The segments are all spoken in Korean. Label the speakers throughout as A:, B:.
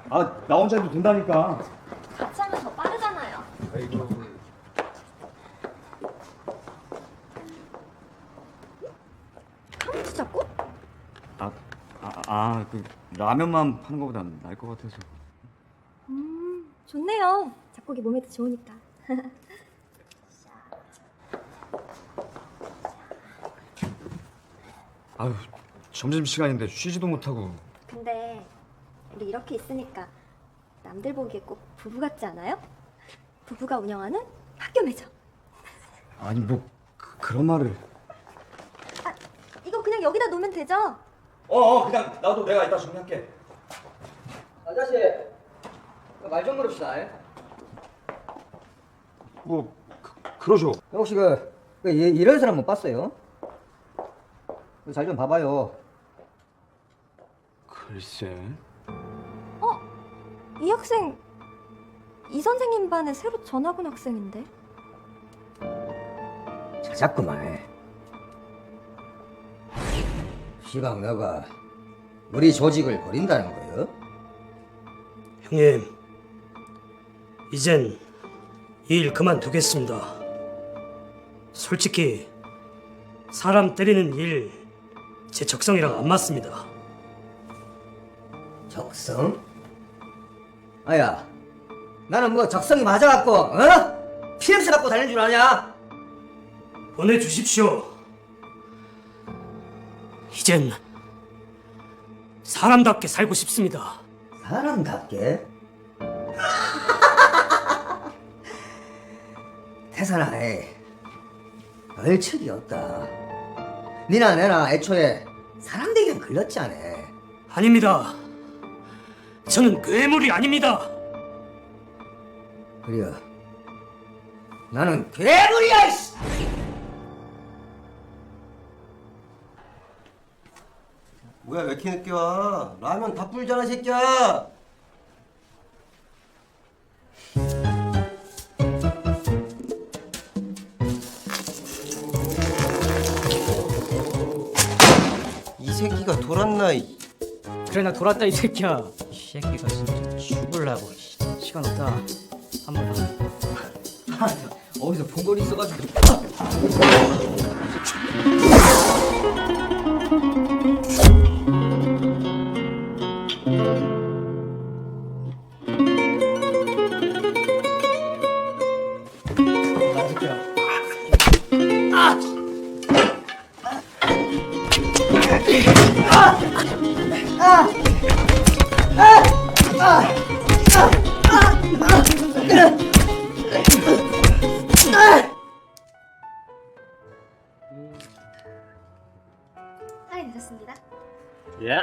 A: 아, 나 혼자 해도 된다니까.
B: 같이 하면 더 빠르잖아요.
A: 아이고.
B: 카운트 잡고?
A: 그 라면만 파는 것보다 나을 것 같아서.
B: 좋네요. 작곡이 몸에도 좋으니까.
A: 아유, 점심시간인데 쉬지도 못하고.
B: 근데 우리 이렇게 있으니까 남들 보기에 꼭 부부 같지 않아요? 부부가 운영하는 학교 매점.
A: 아니, 뭐 그런 말을.
B: 아, 이거 그냥 여기다 놓으면 되죠?
A: 그냥 나도 내가 이따 정리할게.
C: 아저씨, 말 좀 물읍시다.
A: 뭐 그러죠.
C: 혹시 이런 사람 못 봤어요? 잘 좀 봐봐요.
A: 글쎄.
B: 이 학생 이 선생님 반에 새로 전학 온 학생인데.
C: 자꾸만 해. 시방 너가 우리 조직을 버린다는 거요?
D: 형님, 이젠 이 일 그만두겠습니다. 솔직히 사람 때리는 일 제 적성이랑 안 맞습니다.
C: 적성? 아야, 나는 뭐 적성이 맞아갖고 피냄새 갖고 다니는 줄 아냐?
D: 보내주십시오. 이젠 사람답게 살고 싶습니다.
C: 사람답게? 태산아, 얼척이 없다. 니나 내나 애초에 사람 되기엔 걸렸지 않아.
D: 아닙니다. 저는 괴물이 아닙니다.
C: 그려, 나는 괴물이야. 이씨!
E: 뭐야 왜 이렇게 늦게 와? 라면 다 불잖아 새끼야. 이 새끼가 돌았나?
F: 그래 나 돌았다 이 새끼야. 이 새끼가 진짜 죽을라고. 시간 없다. 한 번 더.
C: 어디서 본 걸 있어가지고.
B: 할인 되셨습니다.
F: 예.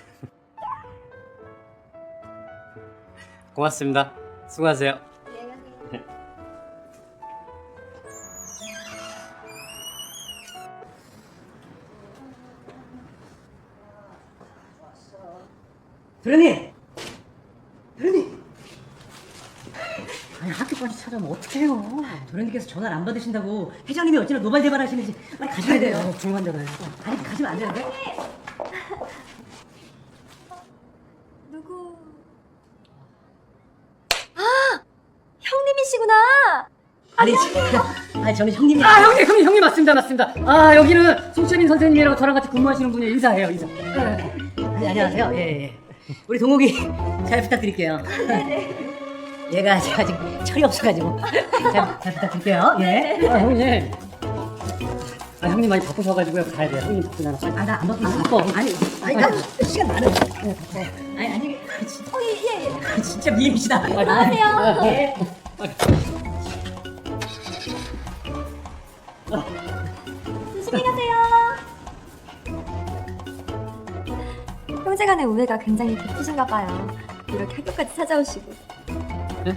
F: 고맙습니다. 수고하세요.
B: 네,
F: 도련님! 도련님! 아니 학교까지 찾아오면 어떡해요. 도련님께서 전화를 안 받으신다고 회장님이 어찌나 노발대발하시는지 빨리 가셔야 돼요. 중요한 데가요. 아니 가시면 안 되는데?
B: 누구? 아! 형님이시구나!
F: 아니 저는 형님이 형님 맞습니다. 아 여기는 송채민 선생님이라고 저랑 같이 근무하시는 분이 인사. 네, 안녕하세요. 예. 우리 동욱이 잘 부탁드릴게요. 얘가 제가 지금 철이 없어가지고 잘 부탁드릴게요. 예. 형님. 형님 많이 바쁘셔가지고요. 가야 돼요. 형님 바쁘잖아. 나 안 바빠. 아니 나 시간 많아. 아니
B: 예.
F: 진짜 미인이시다.
B: 안녕하세요.
F: 예.
B: 조심히 가세요. 형제간의 우애가 굉장히 깊으신가 봐요. 이렇게 학교까지 찾아오시고.
F: 네?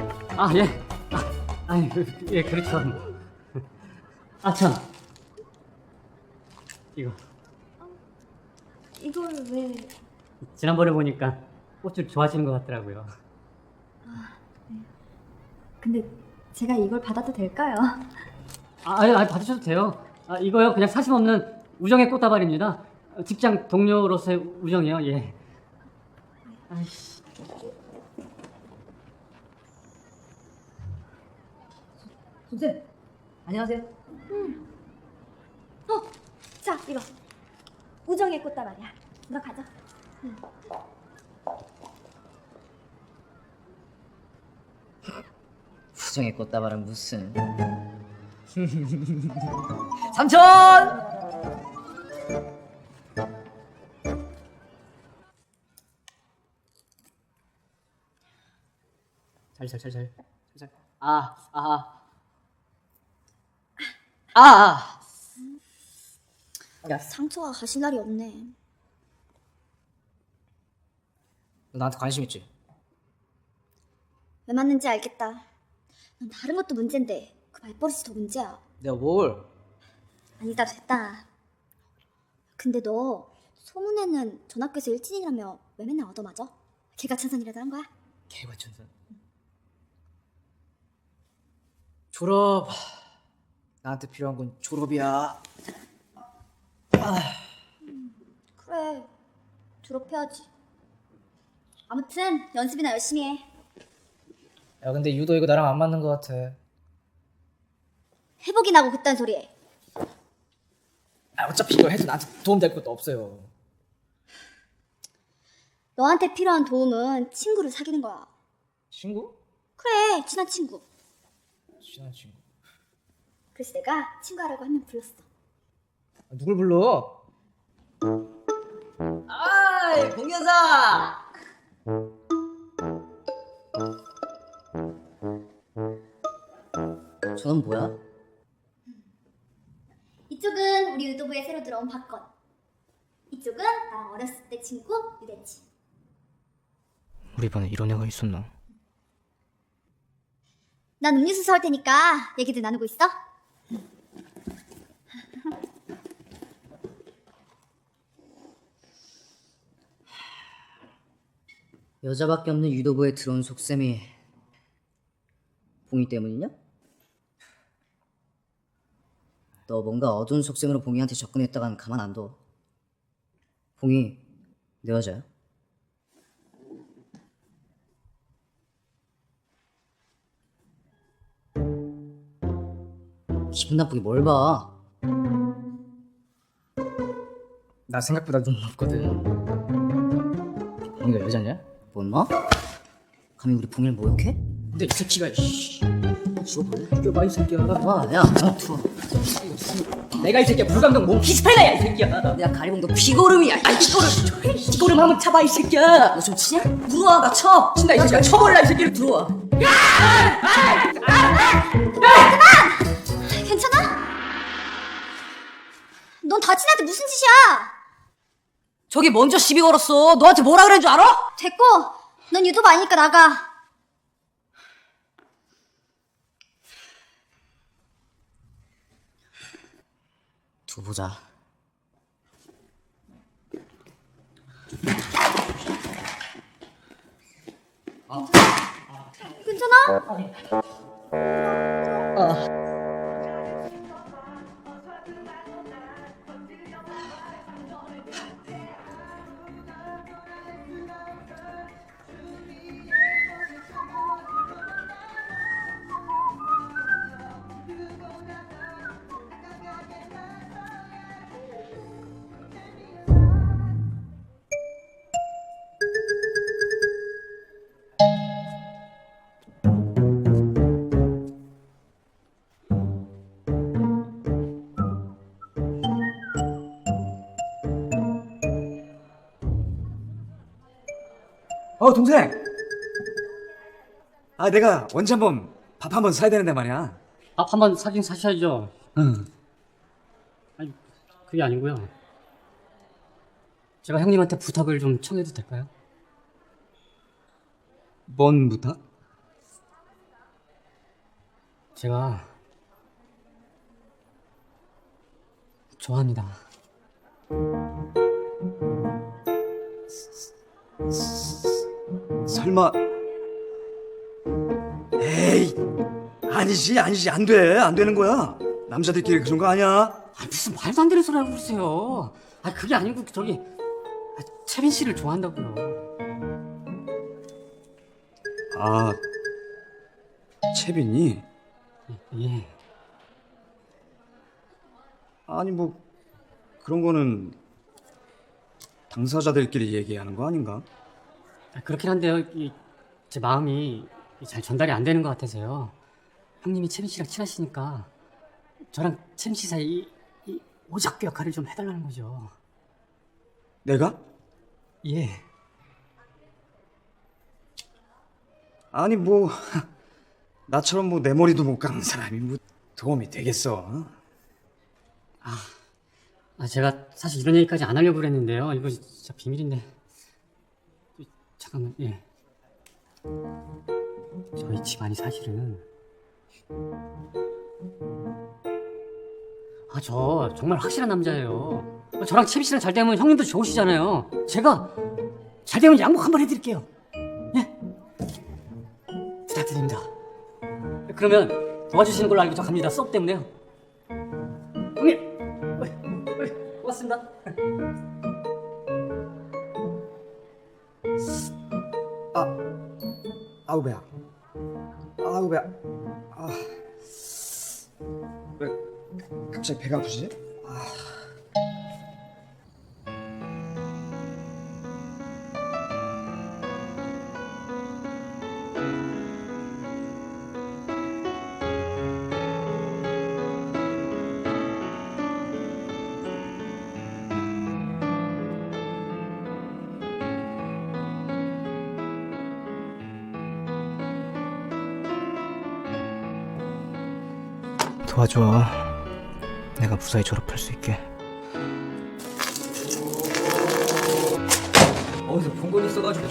F: 예, 그렇죠. 참. 이거.
B: 이걸 왜...
F: 지난번에 보니까 꽃을 좋아하시는 것 같더라고요.
B: 근데 제가 이걸 받아도 될까요?
F: 아니, 받으셔도 돼요. 이거요, 그냥 사심 없는 우정의 꽃다발입니다. 직장 동료로서의 우정이요, 예. 아이씨. 선생, 안녕하세요.
B: 자, 이거. 우정의 꽃다발이야. 너 가져.
F: 수정의 꽃다발은 무슨? 삼촌! 잘. 야,
B: 상처가 가실 날이 없네.
F: 너 나한테 관심 있지?
B: 왜 맞는지 알겠다. 넌 다른 것도 문제인데 그 말버릇이 더 문제야.
F: 내가 뭘?
B: 아니다, 됐다. 근데 너 소문에는 전학교에서 일진이라며 왜 맨날 얻어맞아? 개가천선이라도 한 거야?
F: 개과천선. 졸업. 나한테 필요한 건 졸업이야.
B: 그래, 졸업해야지. 아무튼 연습이나 열심히 해.
F: 야, 근데 유도 이거 나랑 안 맞는 것 같아.
B: 회복이 나고 그딴 소리 해.
F: 아, 어차피 이거 해도 나한테 도움 될 것도 없어요.
B: 너한테 필요한 도움은 친구를 사귀는 거야.
F: 친구?
B: 그래, 친한 친구.
F: 친한 친구.
B: 그래서 내가 친구하라고 한 명 불렀어.
F: 아, 누굴 불러? 아이, 공연사! 저는 뭐야?
B: 이쪽은 우리 유도부에 새로 들어온 박건. 이쪽은 나랑 어렸을 때 친구 유대치.
F: 우리 반에 이런 애가 있었나?
B: 난 음료수 사올 테니까 얘기들 나누고 있어.
F: 여자밖에 없는 유도부에 들어온 속셈이 봉이 때문이냐? 너 뭔가 어두운 속셈으로 봉이한테 접근했다간 가만 안 둬. 봉이 내 여자야? 기분 나쁘게 뭘 봐? 나 생각보다 눈 높거든. 봉이가 여자냐? 뭔 마? 감히 우리 봉이를 모욕해? 근데 이 새끼가 죽어볼래? 죽여봐 이 새끼야. 와, 야, 들어. 내가 이 새끼야 불감동 몸 피스팔라야 이 새끼야. 내가 가리봉도 피고름이야. 아이 피고름. 피고름 한번 쳐봐 이 새끼야. 너 좀 치냐? 들어와, 나 쳐. 친다 이 새끼야. 쳐볼라 이 새끼를. 들어와.
B: 괜찮아? 넌 다친 애한테 무슨 짓이야?
F: 저기 먼저 시비 걸었어. 너한테 뭐라 그랬는 줄 알아?
B: 됐고, 넌 유도부 아니니까 나가.
F: 두고 보자.
B: 괜찮아?
A: 동생. 내가 언제 한번 밥 한번 사야 되는데 말이야.
D: 밥 한 번 사긴 사셔야죠.
A: 응.
D: 아니, 그게 아니고요. 제가 형님한테 부탁을 좀 청해도 될까요?
A: 뭔 부탁?
D: 제가 좋아합니다.
A: 설마. 에이, 아니지 안 돼. 안 되는 거야. 남자들끼리 그런 거 아니야.
D: 무슨 말도 안 되는 소리 하고 그러세요. 그게 아니고 채빈 씨를 좋아한다고요.
A: 아, 채빈이?
F: 예.
A: 아니 뭐 그런 거는 당사자들끼리 얘기하는 거 아닌가?
F: 그렇긴 한데요. 제 마음이 잘 전달이 안 되는 것 같아서요. 형님이 채민 씨랑 친하시니까 저랑 채민 씨 사이 이 오작교 역할을 좀 해달라는 거죠.
A: 내가?
F: 예.
A: 아니 뭐 나처럼 뭐 내 머리도 못 깎는 사람이 뭐 도움이 되겠어?
F: 제가 사실 이런 얘기까지 안 하려고 그랬는데요. 이거 진짜 비밀인데. 잠깐만, 예. 저희 집안이 사실은. 저 정말 확실한 남자예요. 저랑 채비 씨랑 잘 되면 형님도 좋으시잖아요. 제가 잘 되면 양복 한번 해드릴게요. 예? 부탁드립니다. 그러면 도와주시는 걸로 알고 저 갑니다. 수업 때문에요. 형님! 고맙습니다.
A: 아우 배야. 아우 배야. 왜 갑자기 배가 아프지?
G: 도와줘. 내가 무사히 졸업할 수 있게.
C: 어디서 본 건 있어가지고.